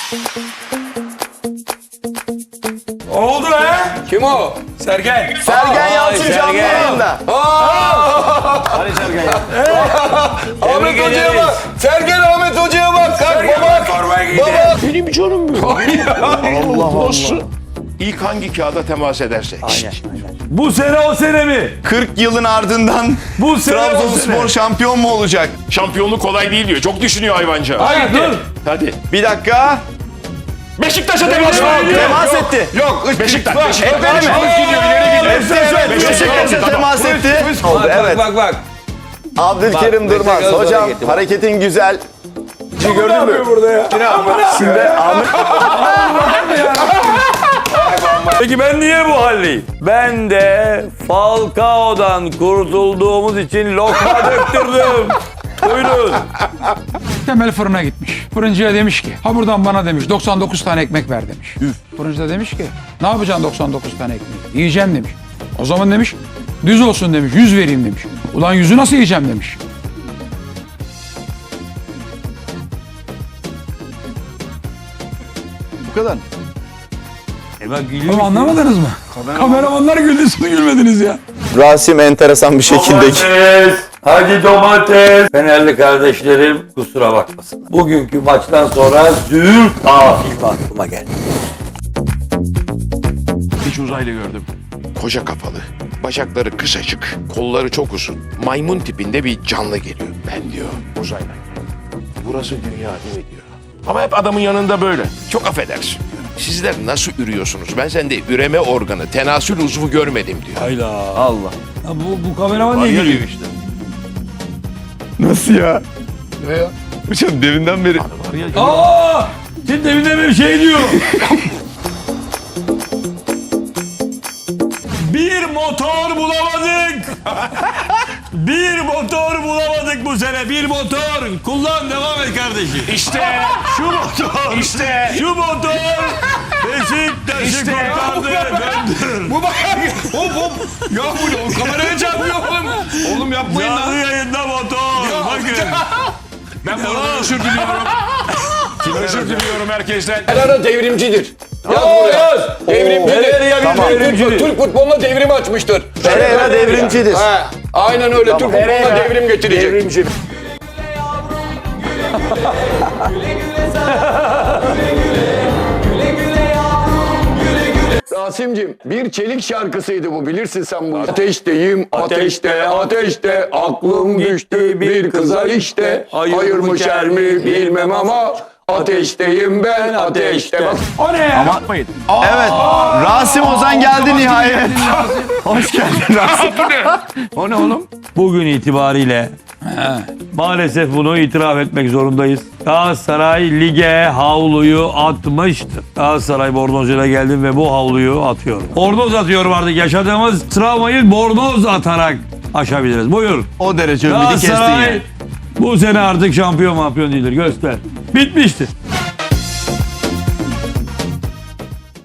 Oldu he? Kim o? Sergen. Sergen Yalçın canlı yayında. Hadi Sergen ya. Ahmet Hoca'ya bak. Sergen Ahmet Hoca'ya bak. Kalk baba. Formaya giydi. Baba. Benim canım bu. Allah Allah. İlk hangi kağıda temas ederse. Bu sene o sene mi? 40 yılın ardından Bu sene o Trabzonspor sene. şampiyon mu olacak? Şampiyonluk kolay değil diyor. Çok düşünüyor hayvanca. Hayır dur. Hadi. Bir dakika. Beşiktaş'a temas var. Temas etti. Yok. Beşiktaş. Öyle mi? Beşiktaş gidiyor. İleri gidiyor. Evet, Beşiktaş'a temas etti. Oldu, evet. Bak. Abdülkerim Bak, Durmaz. Beşiktaş Hocam hareketi bak. hareketin güzel. Gördün mü? Burada ya. Şimdi Ahmet Peki ben niye bu haldeyim? Ben de Falcao'dan kurtulduğumuz için lokma döktürdüm. Buyurun. Temel fırına gitmiş. Fırıncıya demiş ki, ha buradan bana demiş 99 tane ekmek ver demiş. Fırıncı da demiş ki, ne yapacaksın 99 tane ekmeği? Yiyeceğim demiş. O zaman demiş, düz olsun demiş, 100 vereyim demiş. Ulan 100'ü nasıl yiyeceğim demiş. bu kadar. Ama anlamadınız mı? Kameramanlar güldü, siz gülmediniz ya. Rasim enteresan bir şekilde. Domates, hadi domates. Fenerli kardeşlerim kusura bakmasın. Bugünkü maçtan sonra züğürt film aklıma geldi. Hiç uzaylı gördüm. Koca kafalı, bacakları kısacık, kolları çok uzun, maymun tipinde bir canlı geliyor. Ben diyor, uzaylı. Burası dünya değil mi diyor. Ama hep adamın yanında böyle. Çok affedersin diyor. Sizler nasıl ürüyorsunuz? Ben sende üreme organı, tenasül uzvu görmedim diyor. Hayla. Allah. Ya bu kameraman niye gülüyor işte? Nasıl ya? Hocam deminden beri. Aa! Şimdi deminden bir şey diyor. Bir motor bulamadık. Bir motor bulamadık bu sene. Bir motor. Kullan, devam et kardeşim. İşte. Şu motor. İşte. Şu motor. Beşiktaş'ı İşte. kurtardı. Döndür. Bu bak. Hop. Ya bu kameraya çarpıyor oğlum. Oğlum yapmayın Canlı yayında motor. Bakın. Ben bu arada özür diliyorum. Özür diliyorum herkesten. Herrera devrimcidir. Yaz buraya. Devrimcidir. Tamam. Türk futboluna devrim açmıştır. Pereira devrimcidir. He, aynen öyle. Türk futboluna devrim getirecek. Devrimci. Rasim'cim bir çelik şarkısıydı bu, bilirsin sen bunu. Ateşteyim ateşte ateşte aklım düştü bir kıza işte. Hayır mı şer mi bilmem ama ateşteyim ben ateşte. Bak. O ne ya? Evet. Rasim Ozan geldi nihayet. Hoş geldin Rasim. O ne oğlum? Bugün itibariyle maalesef bunu itiraf etmek zorundayız. Galatasaray lige havluyu atmıştır. Galatasaray bornozuyla geldim ve bu havluyu atıyorum. Bornoz atıyorum artık. Yaşadığımız travmayı bornoz atarak aşabiliriz. Buyur. O derece ümidi kestin Galatasaray yani. bu sene artık şampiyon değildir. Göster. Bitmiştir.